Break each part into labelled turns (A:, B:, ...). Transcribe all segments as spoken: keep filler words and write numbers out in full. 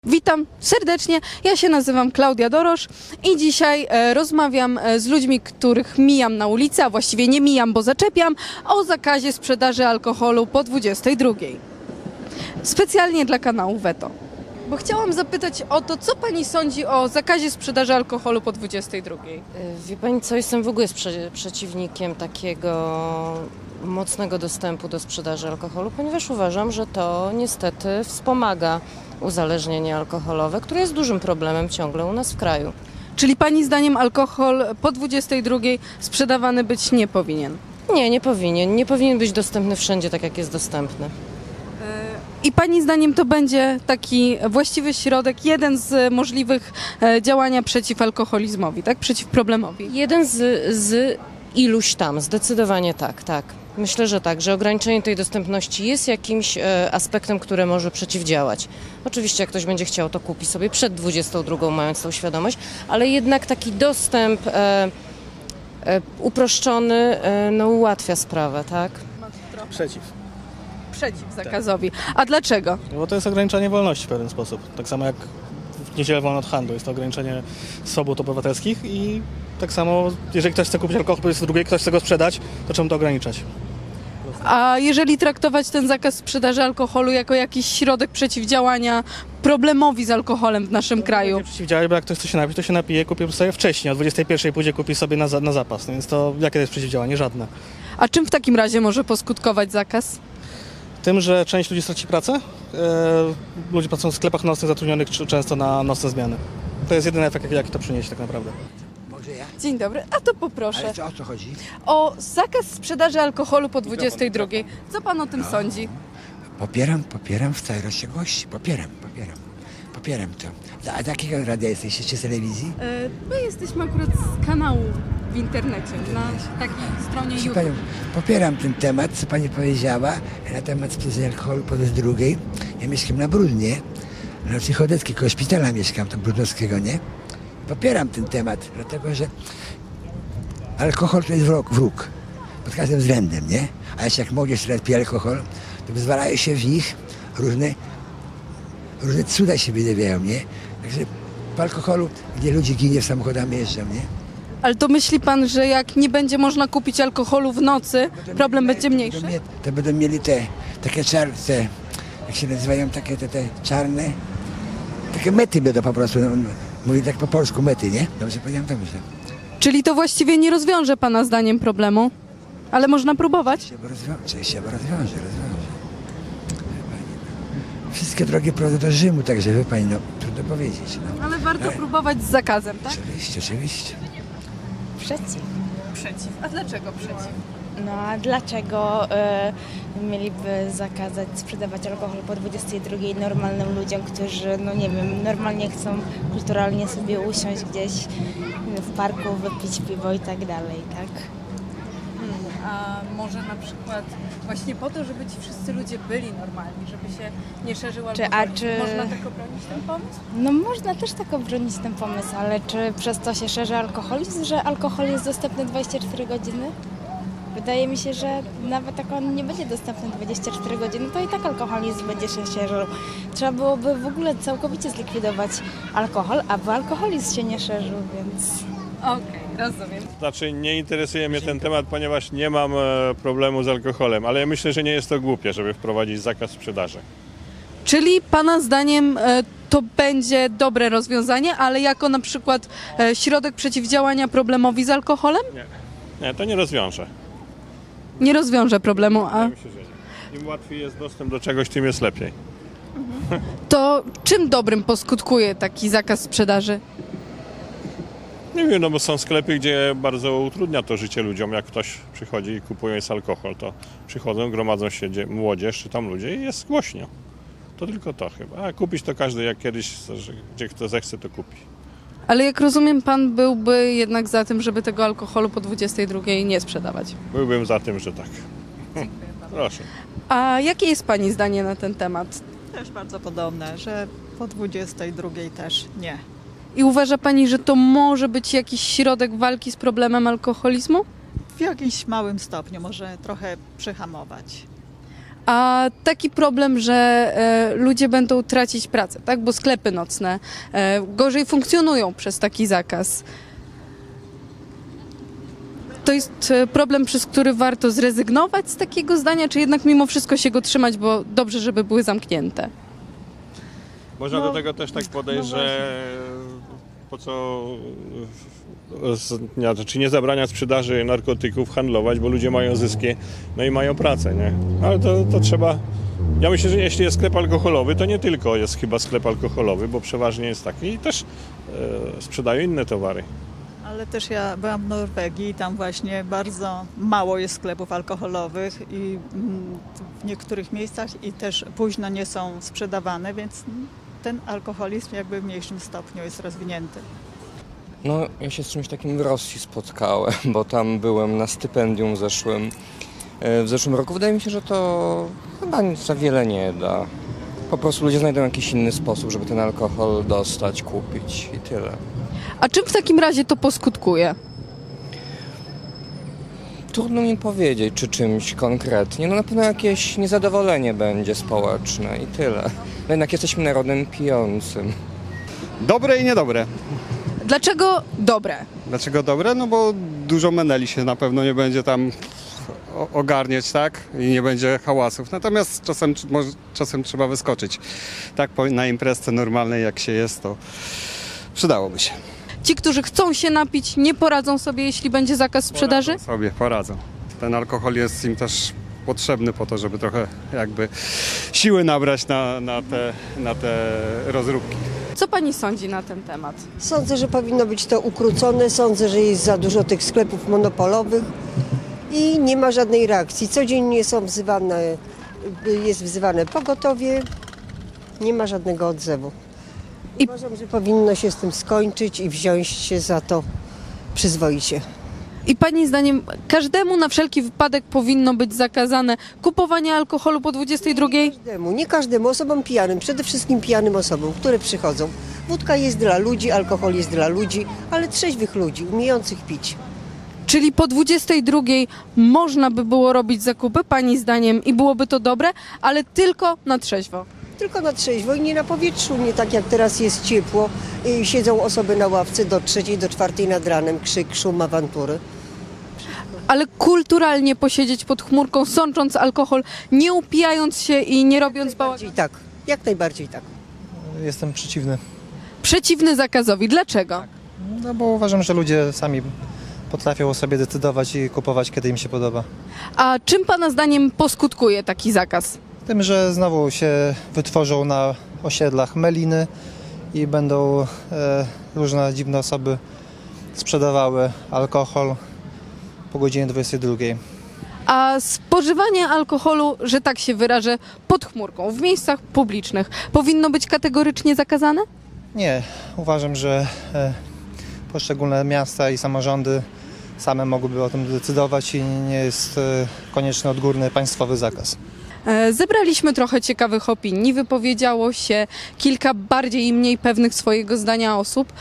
A: Witam serdecznie, ja się nazywam Klaudia Dorosz i dzisiaj e, rozmawiam e, z ludźmi, których mijam na ulicy, a właściwie nie mijam, bo zaczepiam, o zakazie sprzedaży alkoholu po dwudziestej drugiej. Specjalnie dla kanału Veto. Bo chciałam zapytać o to, co pani sądzi o zakazie sprzedaży alkoholu po dwudziestej drugiej?
B: Wie pani co, jestem w ogóle sprze- przeciwnikiem takiego mocnego dostępu do sprzedaży alkoholu, ponieważ uważam, że to niestety wspomaga uzależnienie alkoholowe, które jest dużym problemem ciągle u nas w kraju.
A: Czyli pani zdaniem alkohol po dwudziestej drugiej sprzedawany być nie powinien?
B: Nie, nie powinien. Nie powinien być dostępny wszędzie tak, jak jest dostępny.
A: I pani zdaniem to będzie taki właściwy środek, jeden z możliwych e, działania przeciw alkoholizmowi, tak? Przeciw problemowi.
B: Jeden z, z iluś tam, zdecydowanie tak, tak. Myślę, że tak, że ograniczenie tej dostępności jest jakimś e, aspektem, który może przeciwdziałać. Oczywiście jak ktoś będzie chciał, to kupi sobie przed dwudziestą drugą, mając tą świadomość, ale jednak taki dostęp e, e, uproszczony e, no, ułatwia sprawę, tak?
C: Przeciw.
A: Przeciw zakazowi. A dlaczego?
C: Bo to jest ograniczanie wolności w pewien sposób. Tak samo jak w niedzielę wolno od handlu. Jest to ograniczenie swobód obywatelskich i tak samo, jeżeli ktoś chce kupić alkohol po drugiej, ktoś chce go sprzedać, to czemu to ograniczać?
A: A jeżeli traktować ten zakaz sprzedaży alkoholu jako jakiś środek przeciwdziałania problemowi z alkoholem w naszym kraju?
C: Nie przeciwdziałać, bo jak ktoś chce się napić, to się napije, kupi sobie wcześniej. O dwudziestej pierwszej pójdzie, kupi sobie na, za- na zapas. No więc to jakie to jest przeciwdziałanie? Żadne.
A: A czym w takim razie może poskutkować zakaz?
C: Tym, że część ludzi straci pracę. E, ludzie pracują w sklepach nocnych, zatrudnionych czy- często na nocne zmiany. To jest jedyny efekt, jaki- jaki to przyniesie tak naprawdę.
D: Może ja?
A: Dzień dobry, a to poproszę.
D: Ale co, o co chodzi?
A: O zakaz sprzedaży alkoholu po dwudziestej drugiej. Co pan o tym sądzi?
D: Popieram, popieram w całej rozciągłości. Popieram, popieram. Popieram to. A z jakiego radia jesteście? Czy z telewizji?
A: E, My jesteśmy akurat z kanału w internecie, na takiej stronie
D: Proszę
A: YouTube.
D: panią, popieram ten temat, co pani powiedziała na temat sprzedaży alkoholu po raz drugiej. Ja mieszkam na Brudnie, na ulicy Chodeckiej, koło szpitala mieszkam, to Brudnowskiego, nie? Popieram ten temat, dlatego że alkohol to jest wróg, wróg pod każdym względem, nie? A jeszcze jak młodzież teraz pije alkohol, to wyzwalają się w nich różne, różne cuda się wydawają, nie? Także po alkoholu, gdzie ludzie ginie w samochodami jeżdżą, nie?
A: Ale to myśli pan, że jak nie będzie można kupić alkoholu w nocy, problem będzie mniejszy?
D: To, będą mie- to będą mieli te takie czarne, te, jak się nazywają, takie te, te czarne, takie mety będą po prostu, no, mówię tak po polsku mety, nie? Dobrze powiedziałem, dobrze.
A: Czyli to właściwie nie rozwiąże pana zdaniem problemu, ale można próbować?
D: Się rozwiąże, się rozwiąże, rozwiąże. Wie pani, no. Wszystkie drogi prowadzą do Rzymu, także wie pani, no trudno powiedzieć. No.
A: Ale warto
D: Ale-
A: próbować z zakazem, tak?
D: Oczywiście, oczywiście.
E: Przeciw.
A: Przeciw. A dlaczego przeciw?
E: No a dlaczego y, mieliby zakazać sprzedawać alkohol po dwudziestej drugiej normalnym ludziom, którzy, no nie wiem, normalnie chcą kulturalnie sobie usiąść gdzieś w parku, wypić piwo i tak dalej, tak?
A: A może na przykład właśnie po to, żeby ci wszyscy ludzie byli normalni, żeby się nie szerzył
E: Czy- a
A: alkoholizm.
E: czy-
A: Można tak obronić ten pomysł?
E: No można też tak obronić ten pomysł, ale czy przez to się szerzy alkoholizm, że alkohol jest dostępny dwadzieścia cztery godziny? Wydaje mi się, że nawet jak on nie będzie dostępny dwadzieścia cztery godziny, to i tak alkoholizm będzie się szerzył. Trzeba byłoby w ogóle całkowicie zlikwidować alkohol, aby alkoholizm się nie szerzył, więc...
A: Okej, rozumiem.
F: Znaczy nie interesuje mnie ten temat, ponieważ nie mam e, problemu z alkoholem, ale ja myślę, że nie jest to głupie, żeby wprowadzić zakaz sprzedaży.
A: Czyli pana zdaniem e, to będzie dobre rozwiązanie, ale jako na przykład e, środek przeciwdziałania problemowi z alkoholem?
F: Nie, to nie rozwiąże.
A: Nie rozwiąże problemu, a
F: Wydaje mi się, że nie. Im łatwiej jest dostęp do czegoś, tym jest lepiej.
A: to czym dobrym poskutkuje taki zakaz sprzedaży?
F: Nie wiem, no bo są sklepy, gdzie bardzo utrudnia to życie ludziom. Jak ktoś przychodzi i kupuje jest alkohol, to przychodzą, gromadzą się dzie- młodzież czy tam ludzie i jest głośno. To tylko to chyba. A kupić to każdy jak kiedyś, że gdzie kto zechce, to kupi.
A: Ale jak rozumiem, pan byłby jednak za tym, żeby tego alkoholu po dwudziestej drugiej nie sprzedawać.
F: Byłbym za tym, że tak. Proszę.
A: A jakie jest pani zdanie na ten temat?
G: Też bardzo podobne, że po dwudziestej drugiej też nie.
A: I uważa pani, że to może być jakiś środek walki z problemem alkoholizmu?
G: W jakimś małym stopniu może trochę przyhamować.
A: A taki problem, że e, ludzie będą tracić pracę, tak? Bo sklepy nocne e, gorzej funkcjonują przez taki zakaz. To jest e, problem, przez który warto zrezygnować z takiego zdania, czy jednak mimo wszystko się go trzymać, bo dobrze, żeby były zamknięte?
F: Można
G: No,
F: do tego też tak podejść,
G: no
F: że po co z- nie, czy nie zabrania sprzedaży narkotyków, handlować, bo ludzie mają zyski, no i mają pracę, nie? Ale to, to trzeba... Ja myślę, że jeśli jest sklep alkoholowy, to nie tylko jest chyba sklep alkoholowy, bo przeważnie jest taki i też e, sprzedają inne towary.
G: Ale też ja byłam w Norwegii i tam właśnie bardzo mało jest sklepów alkoholowych i mm, w niektórych miejscach i też późno nie są sprzedawane, więc mm, ten alkoholizm jakby w mniejszym stopniu jest rozwinięty.
H: No, ja się z czymś takim w Rosji spotkałem, bo tam byłem na stypendium zeszłym, e, w zeszłym roku. Wydaje mi się, że to chyba nic za wiele nie da. Po prostu ludzie znajdą jakiś inny sposób, żeby ten alkohol dostać, kupić i tyle.
A: A czym w takim razie to poskutkuje?
H: Trudno mi powiedzieć, czy czymś konkretnie. No na pewno jakieś niezadowolenie będzie społeczne i tyle. No jednak jesteśmy narodem pijącym.
I: Dobre i niedobre.
A: Dlaczego dobre?
I: Dlaczego dobre? No bo dużo meneli się na pewno nie będzie tam o- ogarniać, tak? I nie będzie hałasów. Natomiast czasem, tr- może, czasem trzeba wyskoczyć. Tak po, na imprezce normalnej jak się jest, to przydałoby się.
A: Ci, którzy chcą się napić, nie poradzą sobie, jeśli będzie zakaz sprzedaży?
I: Poradzą sobie, poradzą. Ten alkohol jest im też potrzebny po to, żeby trochę jakby siły nabrać na, na, te, na te rozróbki.
A: Co pani sądzi na ten temat?
J: Sądzę, że powinno być to ukrócone. Sądzę, że jest za dużo tych sklepów monopolowych i nie ma żadnej reakcji. Codziennie są wzywane, jest wzywane pogotowie, nie ma żadnego odzewu.
A: I-
J: Uważam, że powinno się z tym skończyć i wziąć się za to przyzwoicie.
A: I pani zdaniem każdemu na wszelki wypadek powinno być zakazane kupowanie alkoholu po dwudziestej drugiej?
J: Każdemu, nie każdemu, osobom pijanym, przede wszystkim pijanym osobom, które przychodzą. Wódka jest dla ludzi, alkohol jest dla ludzi, ale trzeźwych ludzi, umiejących pić.
A: Czyli po dwudziestej drugiej można by było robić zakupy, pani zdaniem, i byłoby to dobre, ale tylko na trzeźwo.
J: Tylko na trzeźwo i nie na powietrzu, nie tak jak teraz jest ciepło. I siedzą osoby na ławce do trzeciej, do czwartej nad ranem, krzyk, szum, awantury.
A: Ale kulturalnie posiedzieć pod chmurką, sącząc alkohol, nie upijając się i nie robiąc bałaganu.
J: Bardziej tak, jak najbardziej tak.
K: Jestem przeciwny,
A: Przeciwny zakazowi. Dlaczego?
K: no bo uważam, że ludzie sami potrafią sobie decydować i kupować, kiedy im się podoba.
A: A czym pana zdaniem poskutkuje taki zakaz?
K: Tym, że znowu się wytworzą na osiedlach meliny i będą e, różne dziwne osoby sprzedawały alkohol po godzinie dwudziestej drugiej.
A: A spożywanie alkoholu, że tak się wyrażę, pod chmurką, w miejscach publicznych, powinno być kategorycznie zakazane?
K: Nie, uważam, że e, poszczególne miasta i samorządy same mogłyby o tym decydować i nie jest e, konieczny odgórny państwowy zakaz.
A: E, Zebraliśmy trochę ciekawych opinii, wypowiedziało się kilka bardziej i mniej pewnych swojego zdania osób.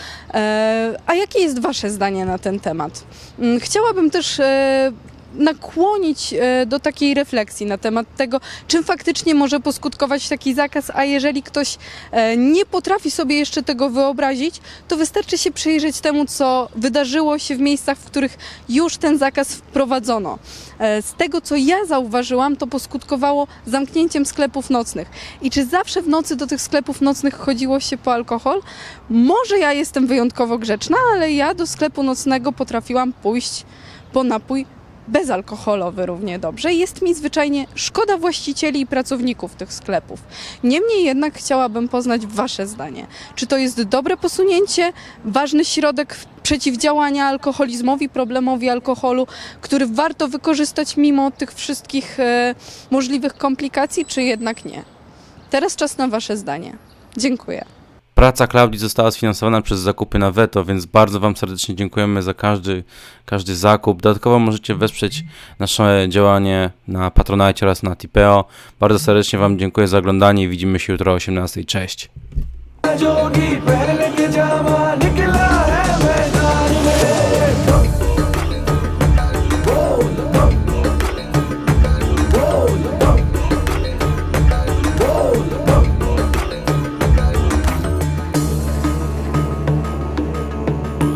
A: E, A jakie jest wasze zdanie na ten temat? Mm, Chciałabym też e, nakłonić e, do takiej refleksji na temat tego, czym faktycznie może poskutkować taki zakaz, a jeżeli ktoś e, nie potrafi sobie jeszcze tego wyobrazić, to wystarczy się przyjrzeć temu, co wydarzyło się w miejscach, w których już ten zakaz wprowadzono. E, Z tego, co ja zauważyłam, to poskutkowało zamknięciem sklepów nocnych. I czy zawsze w nocy do tych sklepów nocnych chodziło się po alkohol? Może ja jestem wyjątkowo grzeczna, ale ja do sklepu nocnego potrafiłam pójść po napój bezalkoholowy równie dobrze. Jest mi zwyczajnie szkoda właścicieli i pracowników tych sklepów. Niemniej jednak chciałabym poznać wasze zdanie. Czy to jest dobre posunięcie, ważny środek przeciwdziałania alkoholizmowi, problemowi alkoholu, który warto wykorzystać mimo tych wszystkich e, możliwych komplikacji, czy jednak nie? Teraz czas na wasze zdanie. Dziękuję.
L: Praca Klaudii została sfinansowana przez zakupy na Veto, więc bardzo wam serdecznie dziękujemy za każdy, każdy zakup. Dodatkowo możecie wesprzeć nasze działanie na Patronite oraz na Tipeo. Bardzo serdecznie wam dziękuję za oglądanie i widzimy się jutro o osiemnastej. Cześć!